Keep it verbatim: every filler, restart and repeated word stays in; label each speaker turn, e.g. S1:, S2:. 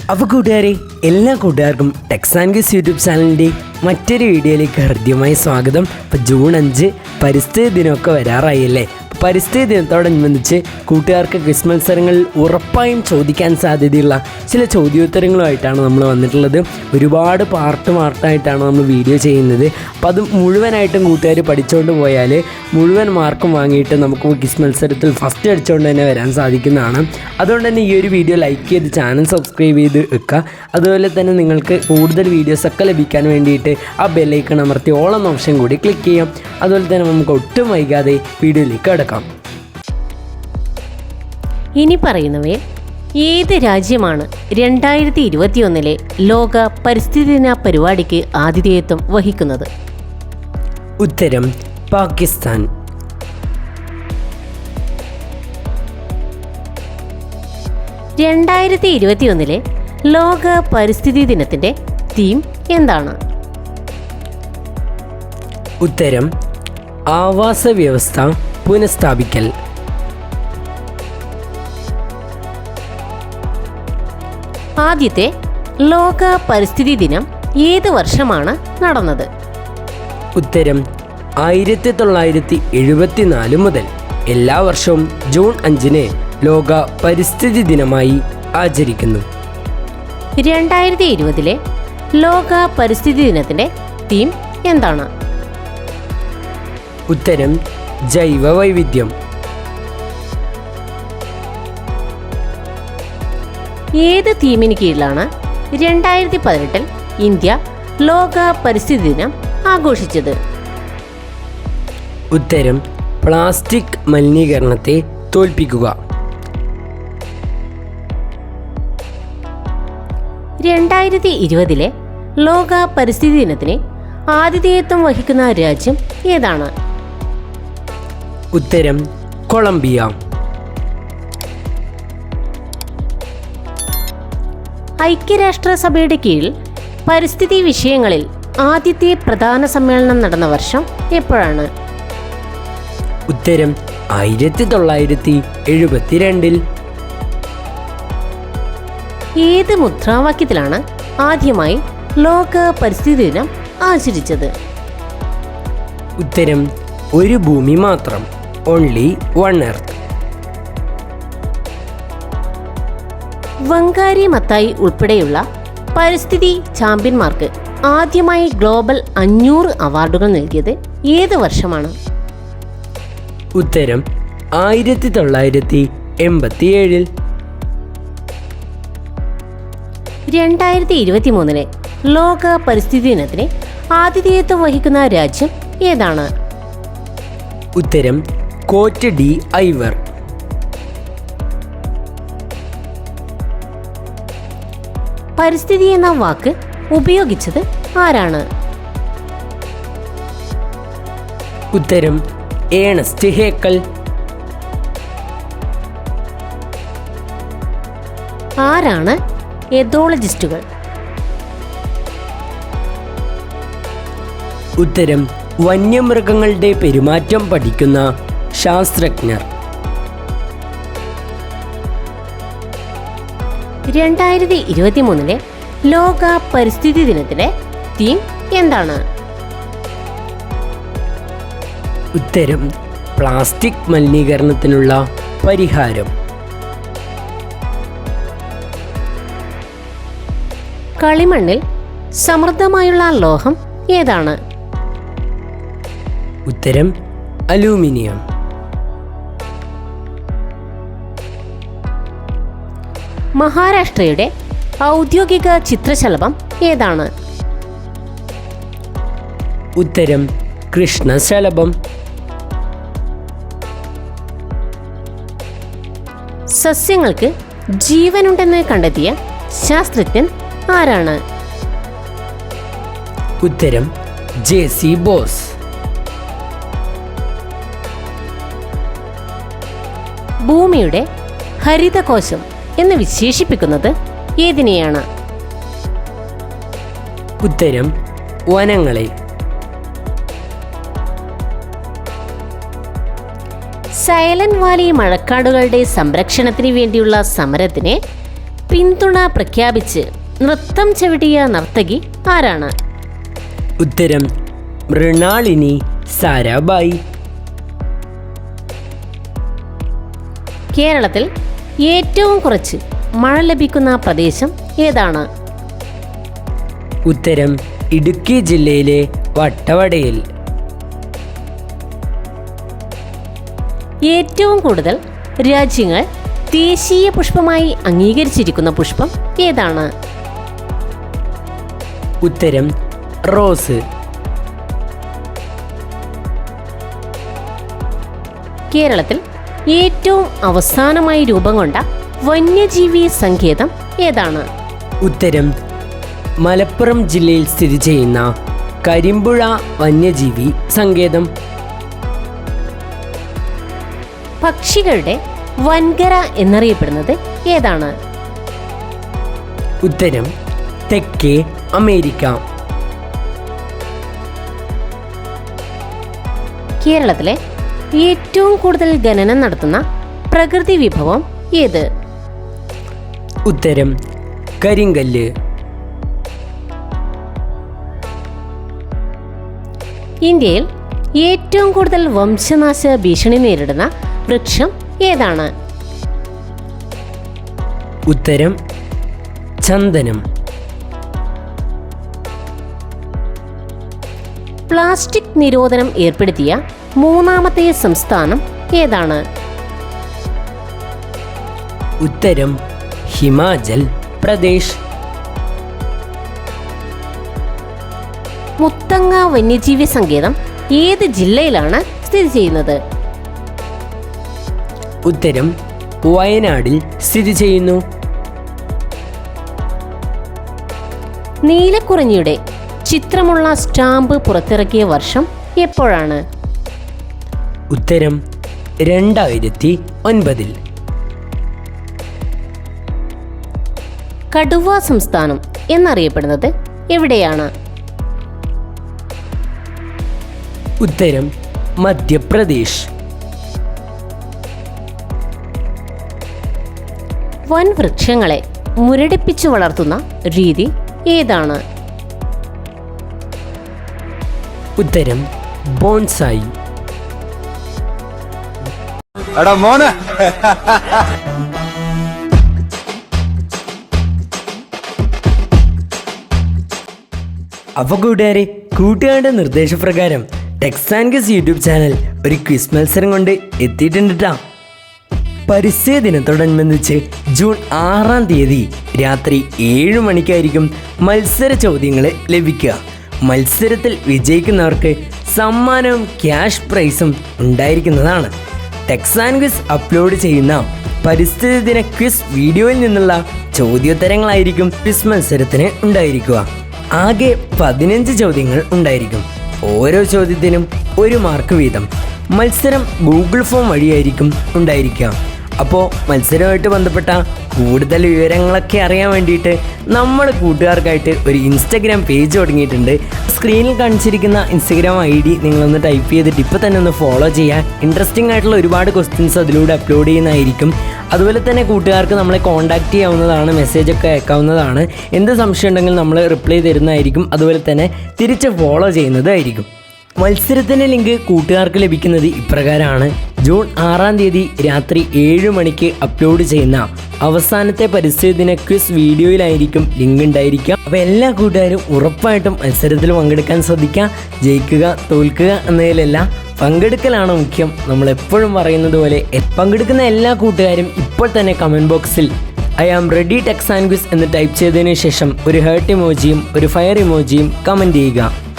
S1: അപ്പോൾ കൂട്ടുകാരെ, എല്ലാ കൂട്ടുകാർക്കും ടെക്സ് ആൻഡ് ക്വിസ് യൂട്യൂബ് ചാനലിൻ്റെ മറ്റൊരു വീഡിയോയിലേക്ക് ഹൃദ്യമായി സ്വാഗതം. ഇപ്പോൾ ജൂൺ അഞ്ച് പരിസ്ഥിതി ദിനമൊക്കെ വരാറായല്ലേ. പരിസ്ഥിതി ദിനത്തോടനുബന്ധിച്ച് കൂട്ടുകാർക്ക് ക്വിസ് മത്സരങ്ങളിൽ ഉറപ്പായും ചോദിക്കാൻ സാധ്യതയുള്ള ചില ചോദ്യോത്തരങ്ങളുമായിട്ടാണ് നമ്മൾ വന്നിട്ടുള്ളത്. ഒരുപാട് പാർട്ട് പാർട്ടായിട്ടാണ് നമ്മൾ വീഡിയോ ചെയ്യുന്നത്. അപ്പോൾ അത് മുഴുവനായിട്ടും കൂട്ടുകാർ പഠിച്ചുകൊണ്ട് പോയാൽ മുഴുവൻ മാർക്കും വാങ്ങിയിട്ട് നമുക്ക് ക്വിസ് മത്സരത്തിൽ ഫസ്റ്റ് അടിച്ചുകൊണ്ട് തന്നെ വരാൻ സാധിക്കുന്നതാണ്. അതുകൊണ്ട് തന്നെ ഈ ഒരു വീഡിയോ ലൈക്ക് ചെയ്ത് ചാനൽ സബ്സ്ക്രൈബ് ചെയ്ത് വെക്കുക. അതുപോലെ തന്നെ നിങ്ങൾക്ക് കൂടുതൽ വീഡിയോസൊക്കെ ലഭിക്കാൻ വേണ്ടിയിട്ട് ആ ബെല്ലൈക്കൺ അമർത്തി ഓൾ എന്ന ഓപ്ഷൻ കൂടി ക്ലിക്ക് ചെയ്യാം. അതുപോലെ തന്നെ നമുക്ക് ഒട്ടും വൈകാതെ വീഡിയോയിലേക്ക് കിടക്കാം.
S2: ഇനി പറയുന്നവയിൽ ഏത് രാജ്യമാണ് രണ്ടായിരത്തി ഇരുപത്തിയൊന്നിലെ ലോക പരിസ്ഥിതി ദിന പരിപാടിക്ക് ആതിഥേയത്വം വഹിക്കുന്നത്?
S1: ഉത്തരം പാകിസ്ഥാൻ.
S2: രണ്ടായിരത്തി ഇരുപത്തിയൊന്നിലെ ലോക പരിസ്ഥിതി ദിനത്തിന്റെ തീം എന്താണ്?
S1: ഉത്തരം ആവാസ വ്യവസ്ഥ പുനഃസ്ഥാപിക്കൽ.
S2: ആദ്യത്തെ ലോക പരിസ്ഥിതി ദിനം ഏത് വർഷമാണ് നടന്നത്?
S1: ഉത്തരം ആയിരത്തി തൊള്ളായിരത്തി എഴുപത്തിനാല് മുതൽ എല്ലാ വർഷവും ജൂൺ അഞ്ചിന് ലോക പരിസ്ഥിതി ദിനമായി ആചരിക്കുന്നു.
S2: രണ്ടായിരത്തി ഇരുപതിലെ ലോക പരിസ്ഥിതി ദിനത്തിന്റെ തീം എന്താണ്?
S1: ഉത്തരം ജൈവ വൈവിധ്യം.
S2: ഏത് തീമിന് കീഴിലാണ് രണ്ടായിരത്തി പതിനെട്ടിൽ ഇന്ത്യ ലോക പരിസ്ഥിതി ദിനം ആഘോഷിച്ചത്?
S1: ഉത്തരം പ്ലാസ്റ്റിക് മലിനീകരണത്തെ തോൽപ്പിക്കുക.
S2: രണ്ടായിരത്തി ഇരുപതിലെ ലോക പരിസ്ഥിതി ദിനത്തിന് ആതിഥേയത്വം വഹിക്കുന്ന രാജ്യം ഏതാണ്?
S1: ഉത്തരം കൊളംബിയ.
S2: ഐക്യരാഷ്ട്രസഭയുടെ കീഴിൽ പരിസ്ഥിതി വിഷയങ്ങളിൽ ആദ്യത്തെ പ്രധാന സമ്മേളനം നടന്ന വർഷം എപ്പോഴാണ്?
S1: ഉത്തരം ആയിരത്തി തൊള്ളായിരത്തി എഴുപത്തിരണ്ടിൽ.
S2: ഏത് മുദ്രാവാക്യത്തിലാണ് ആദ്യമായി ലോക പരിസ്ഥിതി ദിനം ആചരിച്ചത്?
S1: ഉത്തരം ഒരു ഭൂമി മാത്രം, only one earth.
S2: Wangari Maathai ഉൾപ്പെടെയുള്ള പരിസ്ഥിതി ചാമ്പ്യന്മാർക്ക് ആദ്യമായി ഗ്ലോബൽ അഞ്ഞൂറ് അവാർഡുകൾ നൽകിയത് ഏത് വർഷമാണ്?
S1: ഉത്തരം ആയിരത്തി തൊള്ളായിരത്തി എൺപത്തി ഏഴിൽ.
S2: രണ്ടായിരത്തി ഇരുപത്തി മൂന്നിലെ ലോക പരിസ്ഥിതി ദിനത്തിന് ആതിഥേയത്വം വഹിക്കുന്ന രാജ്യം ഏതാണ്?
S1: ഉത്തരം കോറ്റ് ഡി ഐവർ.
S2: പരിസ്ഥിതി എന്ന വാക്ക് ഉപയോഗിച്ചത് ആരാണ്?
S1: ഉത്തരം ഏണസ്റ്റ് ഹേക്കൽ.
S2: ആരാണ് എതോളജിസ്റ്റുകൾ?
S1: ഉത്തരം വന്യമൃഗങ്ങളുടെ പെരുമാറ്റം പഠിക്കുന്ന ശാസ്ത്രജ്ഞർ.
S2: രണ്ടായിരത്തി ഇരുപത്തി മൂന്നിലെ ലോക പരിസ്ഥിതി ദിനത്തിലെ തീം എന്താണ്?
S1: ഉത്തരം പ്ലാസ്റ്റിക് മലിനീകരണത്തിനുള്ള പരിഹാരം.
S2: കളിമണ്ണിൽ സമൃദ്ധമായുള്ള ലോഹം ഏതാണ്?
S1: ഉത്തരം അലൂമിനിയം.
S2: മഹാരാഷ്ട്രയുടെ ഔദ്യോഗിക ചിത്രശലഭം ഏതാണ്?
S1: ഉത്തരം കൃഷ്ണശലഭം.
S2: സസ്യങ്ങൾക്ക് ജീവനുണ്ടെന്ന് കണ്ടെത്തിയ ശാസ്ത്രജ്ഞൻ ആരാണ്?
S1: ഉത്തരം ജെ സി ബോസ്.
S2: ഭൂമിയുടെ ഹരിതകോശം എന്ന് വിശേഷിപ്പിക്കുന്നത് ഏതിനെയാണ്?
S1: ഉത്തരം വനങ്ങളെ.
S2: സൈലന്റ് വാലി മഴക്കാടുകളുടെ സംരക്ഷണത്തിന് വേണ്ടിയുള്ള സമരത്തിന് പിന്തുണ പ്രഖ്യാപിച്ച് നൃത്തം ചവിട്ടിയ നർത്തകി ആരാണ്?
S1: ഉത്തരം മൃണാളിനി സാരാഭായി.
S2: കേരളത്തിൽ ഏറ്റവും കുറച്ച് മഴ ലഭിക്കുന്ന പ്രദേശം ഏതാണ്?
S1: ഉത്തരം ഇടുക്കി ജില്ലയിലെ വട്ടവടയിൽ.
S2: ഏറ്റവും കൂടുതൽ രാജ്യങ്ങൾ ദേശീയ പുഷ്പമായി അംഗീകരിച്ചിരിക്കുന്ന പുഷ്പം ഏതാണ്?
S1: ഉത്തരം റോസ്.
S2: കേരളത്തിൽ ഏറ്റവും അവസാനമായി രൂപം കൊണ്ട വന്യജീവി സങ്കേതം ഏതാണ്?
S1: ഉത്തരം മലപ്പുറം ജില്ലയിൽ സ്ഥിതി ചെയ്യുന്ന കരിമ്പുഴ വന്യജീവി സങ്കേതം.
S2: പക്ഷികളുടെ വൻകര എന്നറിയപ്പെടുന്നത് ഏതാണ്?
S1: ഉത്തരം തെക്കേ അമേരിക്ക.
S2: കേരളത്തിലെ ഏറ്റവും കൂടുതൽ ഖനനം നടത്തുന്ന പ്രകൃതി വിഭവം ഏത്?
S1: ഉത്തരം കരിങ്കല്ല്.
S2: ഇന്ത്യയിൽ ഏറ്റവും കൂടുതൽ വംശനാശ ഭീഷണി നേരിടുന്ന വൃക്ഷം ഏതാണ്?
S1: ഉത്തരം ചന്ദനം.
S2: പ്ലാസ്റ്റിക് നിരോധനം ഏർപ്പെടുത്തിയ മൂന്നാമത്തെ സംസ്ഥാനം ഏതാണ്?
S1: ഉത്തരം ഹിമാചൽ പ്രദേശ്.
S2: മുത്തങ്ങ വന്യജീവി സങ്കേതം ഏത് ജില്ലയിലാണ് സ്ഥിതി ചെയ്യുന്നത്?
S1: ഉത്തരം വയനാടിൽ സ്ഥിതി ചെയ്യുന്നു.
S2: നീലക്കുറിഞ്ഞിയുടെ ചിത്രമുള്ള സ്റ്റാമ്പ് പുറത്തിറക്കിയ വർഷം എപ്പോഴാണ്?
S1: ഉത്തരം രണ്ടായിരത്തി ഒൻപതിൽ.
S2: കടുവ സംസ്ഥാനം എന്നറിയപ്പെടുന്നത് എവിടെയാണ്?
S1: ഉത്തരം മധ്യപ്രദേശ്.
S2: വൻ വൃക്ഷങ്ങളെ മുരടിപ്പിച്ചു വളർത്തുന്ന രീതി ഏതാണ്?
S1: ഉത്തരം ബോൺസായി.
S3: എടാ മോനെ
S1: അപ്പോൾ കൂട്ടുകാരെ, കൂട്ടുകാരുടെ നിർദ്ദേശപ്രകാരം techs and guess YouTube channel ഒരു ക്വിസ് മത്സരം കൊണ്ട് എത്തിയിട്ടുണ്ട് ട്ടാ. പരിസ്ഥിതി ദിനത്തോടനുബന്ധിച്ച് ജൂൺ ആറാം തീയതി രാത്രി ഏഴ് മണിക്കായിരിക്കും മത്സര ചോദ്യങ്ങൾ ലഭിക്കുക. മത്സരത്തിൽ വിജയിക്കുന്നവർക്ക് സമ്മാനവും ക്യാഷ് പ്രൈസും ഉണ്ടായിരിക്കുന്നതാണ്. ടെക്സ് ആൻഡ് ഗസ് അപ്ലോഡ് ചെയ്യുന്ന പരിസ്ഥിതി ദിന ക്വിസ് വീഡിയോയിൽ നിന്നുള്ള ചോദ്യോത്തരങ്ങളായിരിക്കും ക്വിസ് മത്സരത്തിന് ഉണ്ടായിരിക്കുക. ആകെ പതിനഞ്ച് ചോദ്യങ്ങൾ ഉണ്ടായിരിക്കും. ഓരോ ചോദ്യത്തിനും ഒരു മാർക്ക് വീതം. മത്സരം ഗൂഗിൾ ഫോം വഴിയായിരിക്കും ഉണ്ടായിരിക്കുക. അപ്പോൾ മത്സരവുമായിട്ട് ബന്ധപ്പെട്ട കൂടുതൽ വിവരങ്ങളൊക്കെ അറിയാൻ വേണ്ടിയിട്ട് നമ്മൾ കൂട്ടുകാർക്കായിട്ട് ഒരു ഇൻസ്റ്റഗ്രാം പേജ് തുടങ്ങിയിട്ടുണ്ട്. സ്ക്രീനിൽ കാണിച്ചിരിക്കുന്ന ഇൻസ്റ്റഗ്രാം ഐ ഡി നിങ്ങളൊന്ന് ടൈപ്പ് ചെയ്തിട്ട് ഇപ്പോൾ തന്നെ ഒന്ന് ഫോളോ ചെയ്യുക. ഇൻട്രസ്റ്റിംഗ് ആയിട്ടുള്ള ഒരുപാട് ക്വസ്റ്റ്യൻസ് അതിലൂടെ അപ്ലോഡ് ചെയ്യുന്നതായിരിക്കും. അതുപോലെ തന്നെ കൂട്ടുകാർക്ക് നമ്മളെ കോൺടാക്റ്റ് ചെയ്യാവുന്നതാണ്, മെസ്സേജൊക്കെ അയക്കാവുന്നതാണ്. എന്ത് സംശയം ഉണ്ടെങ്കിൽ നമ്മൾ റിപ്ലൈ തരുന്നതായിരിക്കും. അതുപോലെ തന്നെ തിരിച്ച് ഫോളോ ചെയ്യുന്നതായിരിക്കും. മത്സരത്തിൻ്റെ ലിങ്ക് കൂട്ടുകാർക്ക് ലഭിക്കുന്നത് ഇപ്രകാരമാണ്. ജൂൺ ആറാം തീയതി രാത്രി ഏഴ് മണിക്ക് അപ്ലോഡ് ചെയ്യുന്ന അവസാനത്തെ പരിസ്ഥിതി ദിന ക്വിസ് വീഡിയോയിലായിരിക്കും ലിങ്ക് ഉണ്ടായിരിക്കുക. അപ്പോൾ എല്ലാ കൂട്ടുകാരും ഉറപ്പായിട്ടും മത്സരത്തിൽ പങ്കെടുക്കാൻ ശ്രദ്ധിക്കുക. ജയിക്കുക തോൽക്കുക എന്നതിലല്ല, പങ്കെടുക്കലാണ് മുഖ്യം. നമ്മൾ എപ്പോഴും പറയുന്നത് പോലെ പങ്കെടുക്കുന്ന എല്ലാ കൂട്ടുകാരും ഇപ്പോൾ തന്നെ കമൻറ്റ് ബോക്സിൽ I am ready techs and quiz എന്ന് ടൈപ്പ് ചെയ്തതിന് ശേഷം ഒരു ഹേർട്ട് ഇമോജിയും ഒരു ഫയർ ഇമോജിയും കമൻറ്റ് ചെയ്യുക.